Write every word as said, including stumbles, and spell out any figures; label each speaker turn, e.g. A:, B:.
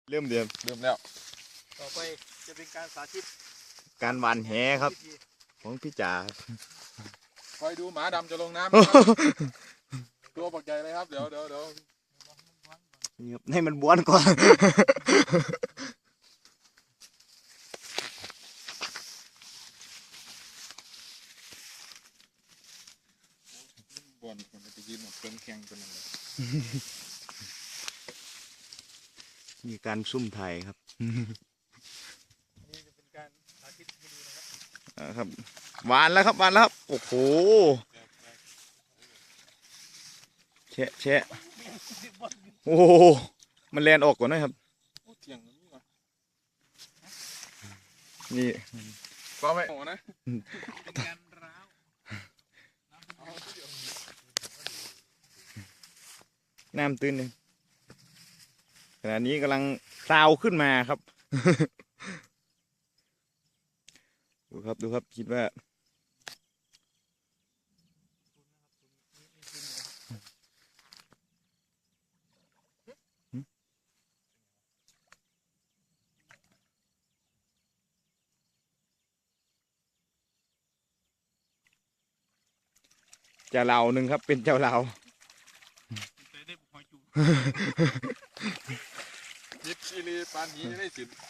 A: เริ่มเดือม
B: เริ่มแล้ว
C: ต่อไปจะเป็นการสาธิต
A: การหวานแหครับของพี่จ๋า
B: คอยดูหมาดำจะลงน้ำ ตัวปักใหญ่เลยครับเดี๋ยวเดี๋ยวเดี๋ยว
A: นี่ครับให้มันบ้วนก่อน
B: บอลมันจะยืนหมดเครื่องแข่งกันเลย
A: มีการซุ่มไทยครับ
C: นี่จะเป็นการสาธิตให้ดูนะครับ
A: อ่าครับหวานแล้วครับหวานแล้วครับโอ้โหแชะแชะโอ้โหมันแลนออกก่อนนะครับ
B: เที่ยงนี่ก่อน
A: นี่
B: ก็ไม่โอ้นะ
C: เป็นการร้าว
A: น้ำตื้นเลยขณะนี้กำลังซาวขึ้นมาครับ ดูครับดูครับคิดว่าเจ้าเหล่าหนึ่งครับเป็นเจ้าเหล่า
C: ได้หอยจู
B: ยิบชีรีปานนี้ได้สิน